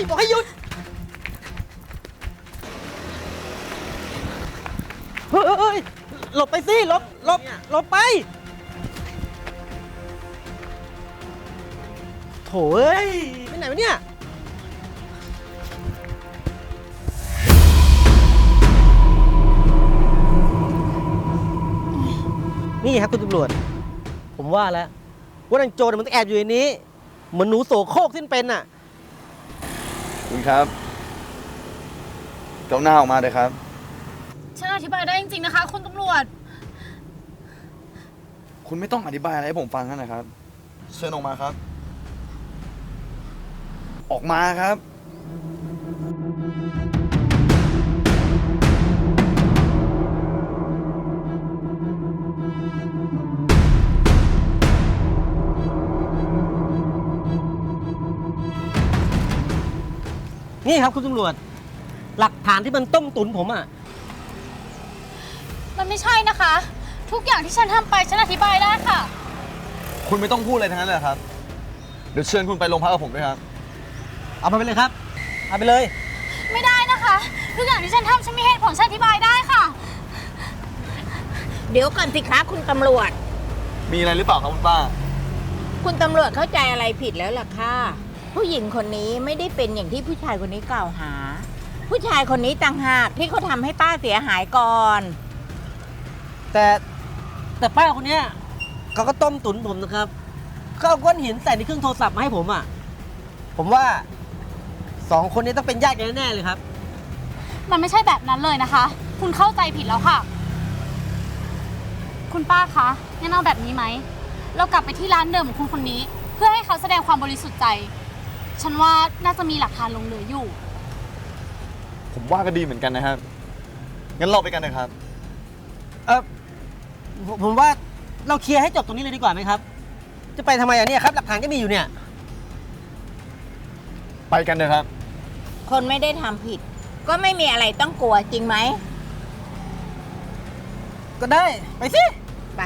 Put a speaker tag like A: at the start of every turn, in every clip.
A: บอกให้หยุดเฮ้ยหลบไปสิหลบไปโถ่เอ้ยไปไหนวะเนี่ยนี่ครับคุณตำรวจผมว่าแล้วว่านางโจรมันต้องแอบอยู่ในนี้เหมือนหนูโสโครกที่เป็นน่ะ
B: คุณครับเจ้าหน้าออกมาเลยครับ
C: ฉันอธิบายได้จริงๆนะคะคุณตำรวจ
B: คุณไม่ต้องอธิบายอะไรให้ผมฟังกันนะครับเชิญออกมาครับ ออกมาครับ
A: นี่ครับคุณตำรวจหลักฐานที่มันต้มตุ๋นผมอ่ะ
C: มันไม่ใช่นะคะ ทุกอย่างที่ฉันทำไปฉันอธิบายได้ค่ะ
B: คุณไม่ต้องพูดอะไรทั้งนั้นเลยครับเดี๋ยวเชิญคุณไปโรงพักกับผมด้วยครับ
A: เอาไปเลยครับเอาไปเลย
C: ไม่ได้นะคะ ทุกอย่างที่ฉันทำฉันมีเหตุผลฉันอธิบายได้ค่ะ
D: เดี๋ยวก่อนสิคะคุณตำรวจ
B: มีอะไรหรือเปล่าครับคุณป้า
D: คุณตำรวจเข้าใจอะไรผิดแล้วล่ะค่ะ ผู้หญิงคนนี้ไม่ได้เป็นอย่างที่ผู้ชายคนนี้กล่าวหา ผู้ชายคนนี้ต่างหากที่เขาทำให้ป้าเสียหายก่อน
A: แต่ป้าคนเนี้ยเขาก็ต้มตุ๋นผมนะครับเขาเอาก้อนหินใส่ในเครื่องโทรศัพท์มาให้ผมอ่ะผมว่า2 คนนี้ต้องเป็นญาติกันแน่ๆเลยครับ
C: มันไม่ใช่แบบนั้นเลยนะคะ คุณเข้าใจผิดแล้วค่ะ คุณป้าคะงั้นเอาแบบนี้ไหม เรากลับไปที่ร้านเดิมของคุณคนนี้ เพื่อให้เขาแสดงความบริสุทธิ์ใจ ฉันว่าน่าจะมีหลักฐานหลงเหลืออยู่
B: ผมว่าก็ดีเหมือนกันนะครับ งั้นเราไปกันนะครับ
A: ผมว่าเราเคลียร์ให้จบตรงนี้เลยดีกว่าไหมครับ จะไปทำไมอ่ะเนี่ยครับหลักฐานก็มีอยู่เนี่ย
B: ไปกันเลยครับ
D: คนไม่ได้ทำผิด ก็ไม่มีอะไรต้องกลัวจริงไหม
A: ก็ได้ไปสิ
D: ไป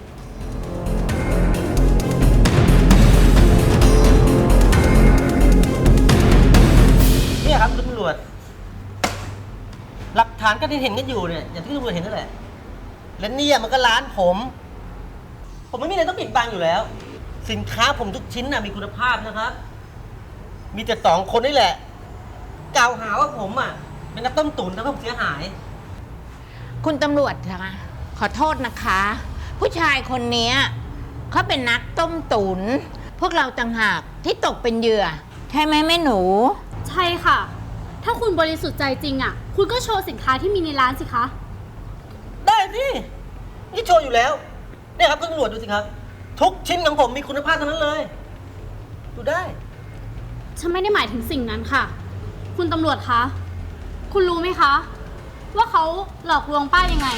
A: เนี่ยครับคุณตำรวจหลักฐานก็ที่เห็นกันอยู่เนี่ยอย่างที่ตำรวจเห็นนั่นแหละและเนี่ยมันก็ร้านผมไม่มีอะไรต้องปิดบังอยู่แล้ว สินค้าผมทุกชิ้นน่ะมีคุณภาพนะครับ มีแต่2 คนนี่แหละกล่าวหาว่าผมอ่ะเป็นนักต้มตุ๋นแล้วผมเสียหาย
D: คุณตำรวจคะขอโทษนะคะ ผู้ชายคนนี้เขาเป็นนักต้มตุ๋นพวกเราต่างหากที่ตกเป็นเหยื่อ ใช่ไหมแม่หนู
C: ใช่ค่ะ ถ้าคุณบริสุทธิ์ใจจริงอ่ะ คุณก็โชว์สินค้าที่มีในร้านสิคะ
A: ได้สินี่โชว์อยู่แล้วเนี่ยครับคุณตำรวจดูสิครับ ทุกชิ้นของผมมีคุณภาพทั้งนั้นเลย ดูได้
C: ฉันไม่ได้หมายถึงสิ่งนั้นค่ะ คุณตำรวจคะ คุณรู้ไหมคะ ว่าเขาหลอกลวงป้ายังไง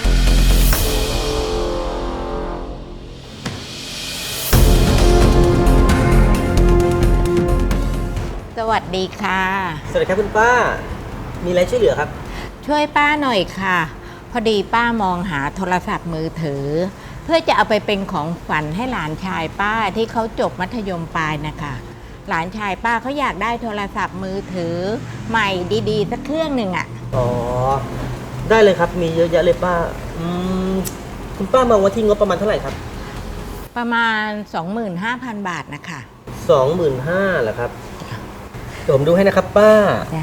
D: สวัสดีค่ะ
A: สวัสดีครับคุณป้า มีอะไรช่วยเหลือครับ
D: ช่วยป้าหน่อยค่ะ พอดีป้ามองหาโทรศัพท์มือถือ เพื่อจะเอาไปเป็นของฝันให้หลานชายป้าที่เขาจบมัธยมปลายนะคะหลานชายป้าเขาอยากได้โทรศัพท์มือถือใหม่ดีๆสักเครื่องหนึ่งอะ
A: อ๋อ ได้เลยครับ มีเยอะแยะเลยป้า คุณป้ามองว่าที่งบประมาณเท่าไหร่ครับ
D: ประมาณ 25,000 บาทนะคะ
A: 25,000เหรอครับเดี๋ยวผมดูให้นะครับป้า
D: จ้ะ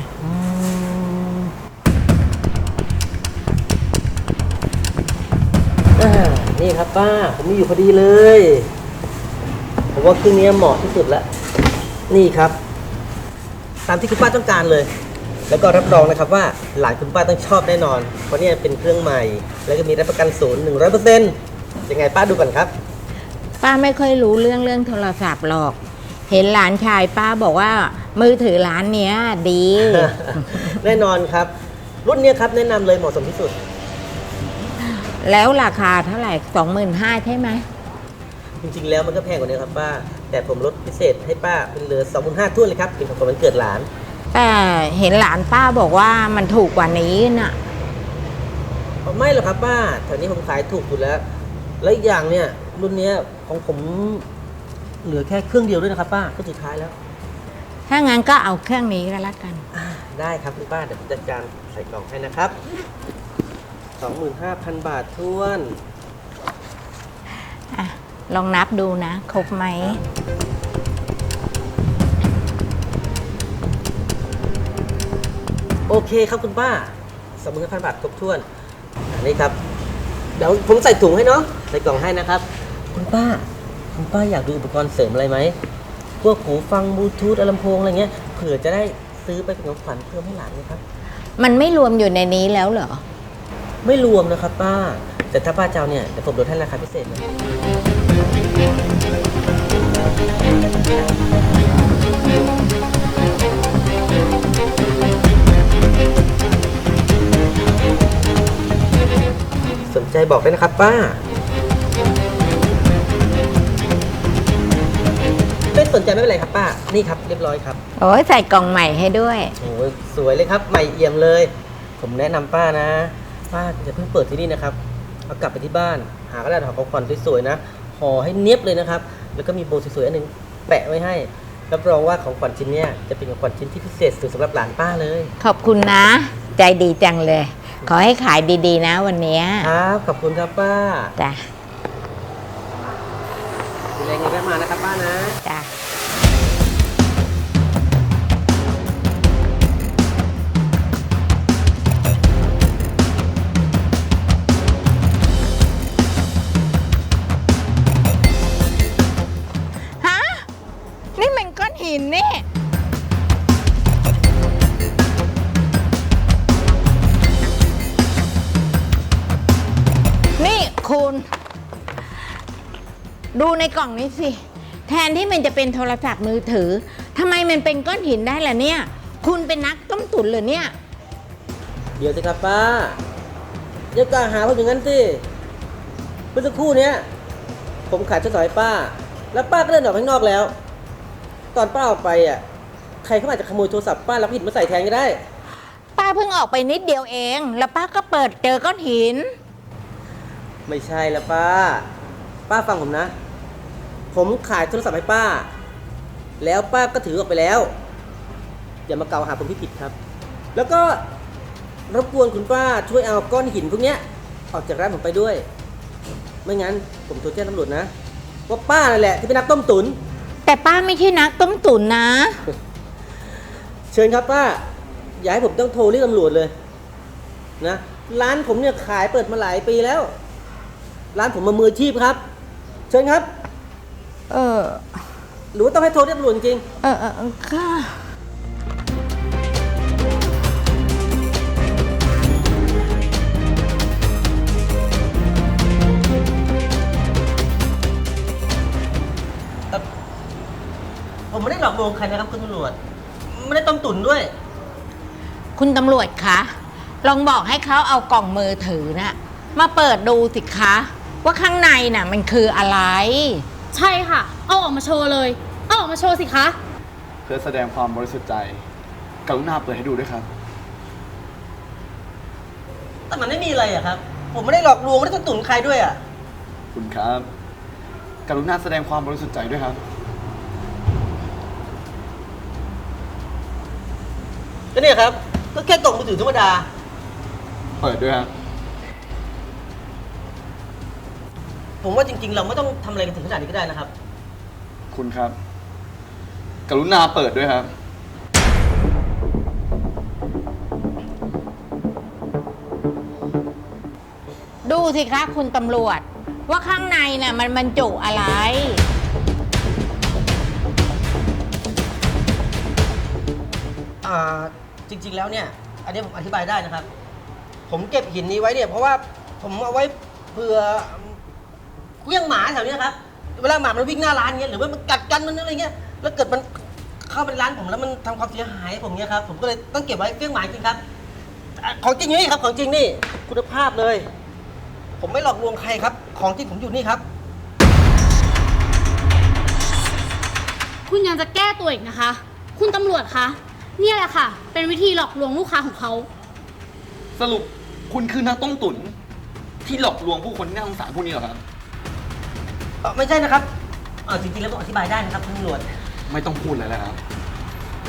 A: นี่ครับป้า ผมมีอยู่พอดีเลย ผมว่าเครื่องนี้เหมาะที่สุดแล้ว นี่ครับ ตามที่คุณป้าต้องการเลย แล้วก็รับรองนะครับว่าหลานคุณป้าต้องชอบแน่นอน เพราะเนี่ยเป็นเครื่องใหม่ แล้วก็มีรับประกันศูนย์100%ยังไงป้าดูก่อนครับ
D: ป้าไม่ค่อยรู้เรื่องโทรศัพท์หรอก เห็นหลานชายป้าบอกว่ามือถือร้านเนี้ยดี
A: แน่นอนครับ รุ่นเนี้ยครับแนะนำเลยเหมาะสมที่สุด
D: แล้วราคาเท่าไหร่ 25,000ใช่ไหม
A: จริงๆแล้วมันก็แพงกว่านี้ครับป้า แต่ผมลดพิเศษให้ป้าเป็นเหลือ 25,000 ทุ่นเลยครับเป็นของขวัญวันเกิดหลาน
D: แต่เห็นหลานป้าบอกว่ามันถูกกว่านี้น่ะ
A: ไม่หรอกครับป้าแถวนี้ผมขายถูกอยู่แล้ว และอีกอย่างเนี่ยรุ่นเนี้ยของผมเหลือแค่เครื่องเดียวด้วยนะครับป้าก็สุดท้ายแล้ว
D: ถ้างั้นก็เอาเครื่องนี้ก็แล้วกัน
A: ได้ครับคุณป้าเดี๋ยวผมจัดการใส่กล่องให้นะครับ 25,000 บาทท้วน
D: อ่ะ ลองนับดูนะ ครบไหม
A: โอเคครับคุณป้า 25,000 บาทครบถ้วนอันนี้ครับ เดี๋ยวผมใส่ถุงให้เนาะ ใส่กล่องให้นะครับ คุณป้าอยากดูอุปกรณ์เสริมอะไรไหม พวกหูฟังบลูทูธลำโพงอะไรเงี้ย เผื่อจะได้ซื้อไปเป็นของขวัญเพิ่มให้หลานนะครับ
D: มันไม่รวมอยู่ในนี้แล้วเหรอ
A: ไม่รวมนะครับป้า แต่ถ้าป้าเจ้าเนี่ยเดี๋ยวผมลดให้ราคาพิเศษเลยสนใจบอกได้นะครับป้า ไม่สนใจไม่เป็นไรครับป้า นี่ครับเรียบร้อยครับ
D: โอ้ยใส่กล่องใหม่ให้ด้วย
A: โอ้ยสวยเลยครับ ใหม่เอี่ยมเลย ผมแนะนำป้านะ ป้าจะเพิ่งเปิดที่นี่นะครับ เอากลับไปที่บ้าน หากระดาษห่อของขวัญสวยๆนะห่อให้เนียบเลยนะครับ แล้วก็มีโบสวยๆอันหนึงแปะไว้ให้ รับรองว่าของขวัญชิ้นเนี้ยจะเป็นของขวัญชิ้นที่พิเศษสุดสำหรับหลานป้าเลย
D: ขอบคุณนะ ใจดีจังเลย ขอให้ขายดีๆนะวันเนี้ย
A: ครับ ขอบคุณครับป้า
D: จ้ะ
A: ดูแลเงินแวะมานะครับป้านะ
D: จ้ะ ฮะ นี่มันก้อนหินนี่ นี่คุณ ดูในกล่องนี้สิ แทนที่มันจะเป็นโทรศัพท์มือถือทำไมมันเป็นก้อนหินได้ล่ะเนี่ย คุณเป็นนักต้มตุ๋นเหรอเนี่ย
A: เดี๋ยวสิครับป้าอย่ากล่าวหาผมอย่างนั้นสิเมื่อสักครู่เนี้ยผมขายโทรศัพท์ให้ป้า แล้วป้าก็เดินออกข้างนอกแล้ว ตอนป้าออกไปอ่ะ ใครเขาอาจจะขโมยโทรศัพท์ป้าแล้วผิดมาใส่แทนก็ได้
D: ป้าเพิ่งออกไปนิดเดียวเอง แล้วป้าก็เปิดเจอก้อนหิน
A: ไม่ใช่ละป้า ป้าฟังผมนะ ผมขายโทรศัพท์ให้ป้า แล้วป้าก็ถือออกไปแล้ว อย่ามากล่าวหาผมที่ผิดครับ แล้วก็รบกวนคุณป้าช่วยเอาก้อนหินพวกเนี้ยออกจากร้านผมไปด้วย ไม่งั้นผมโทรแจ้งตำรวจนะว่าป้านั่นแหละที่เป็นนักต้มตุ๋น
D: แต่ป้าไม่ใช่นักต้มตุ๋นนะ
A: เชิญครับป้า อย่าให้ผมต้องโทรเรียกตำรวจเลยนะร้านผมเนี่ยขายเปิดมาหลายปีแล้ว ร้านผมมามืออาชีพครับ เชิญครับ
D: เออ
A: หรือว่าต้องให้โทรเรียกตำรวจจริง
D: ค่ะ
A: ผมไม่ได้หลอกลวงใครนะครับคุณตำรวจ ไม่ได้ต้มตุ๋นด้วย
D: คุณตำรวจคะ ลองบอกให้เขาเอากล่องมือถือน่ะ มาเปิดดูสิคะ ว่าข้างในน่ะมันคืออะไร
C: ใช่ค่ะ เอาออกมาโชว์เลย เอาออกมาโชว์สิคะ
B: เพื่อแสดงความบริสุทธิ์ใจ กรุณาเปิดให้ดูด้วยครับ
A: แต่มันไม่มีอะไรอะครับ ผมไม่ได้หลอกลวงไม่ได้ต้มตุ๋นใครด้วยอะ
B: คุณครับ กรุณาแสดงความบริสุทธิ์ใจด้วยครับ
A: ก็เนี่ยครับ ก็แค่กล่องมือถือธรรมดา
B: เปิดด้วยครับ
A: ผมว่าจริงๆ เราไม่ต้องทำอะไรกันถึงขนาดนี้ก็ได้นะครับ
B: คุณครับ กรุณาเปิดด้วยครับ
D: ดูสิคะคุณตำรวจ ว่าข้างในน่ะมันบรรจุอะไร
A: จริงๆ แล้วเนี่ย อันนี้ผมอธิบายได้นะครับ ผมเก็บหินนี้ไว้เนี่ยเพราะว่าผมเอาไว้เผื่อเลี้ยงหมาแถวนี้ครับ เวลาหมามันวิ่งหน้าร้านเงี้ยหรือว่ามันกัดกันมันอะไรเงี้ย แล้วเกิดมันเข้าไปในร้านผมแล้วมันทำความเสียหายผมเงี้ยครับ ผมก็เลยต้องเก็บไว้เลี้ยงหมาจริงครับ ของจริงนี่ครับ ของจริงนี่คุณภาพเลย ผมไม่หลอกลวงใครครับ ของจริงผมอยู่นี่ครับ
C: คุณยังจะแก้ตัวอีกนะคะ คุณตำรวจคะ เนี่ยแหละค่ะ เป็นวิธีหลอกลวงลูกค้าของเขา
B: สรุปคุณคือนักต้มตุ๋นที่หลอกลวงผู้คนที่น่าสงสารพวกนี้เหรอครับ
A: ไม่ใช่นะครับจริงๆ แล้วผมอธิบายได้นะครับคุณตำรวจ
B: ไม่ต้องพูดอะไรแล้วครับ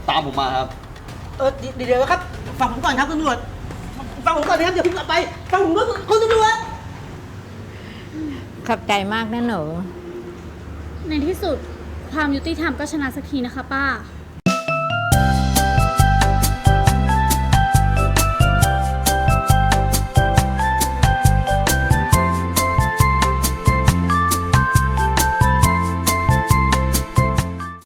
B: ตามผมมาครับ
A: เดี๋ยวครับฟังผมก่อนครับคุณตำรวจฟังผมก่อนนะครับอย่าเพิ่งกลับไปฟังผมก่อนคุณตำรวจ
D: ขอบใจมากนะหนู
C: ในที่สุดความยุติธรรมก็ชนะสักทีนะคะป้า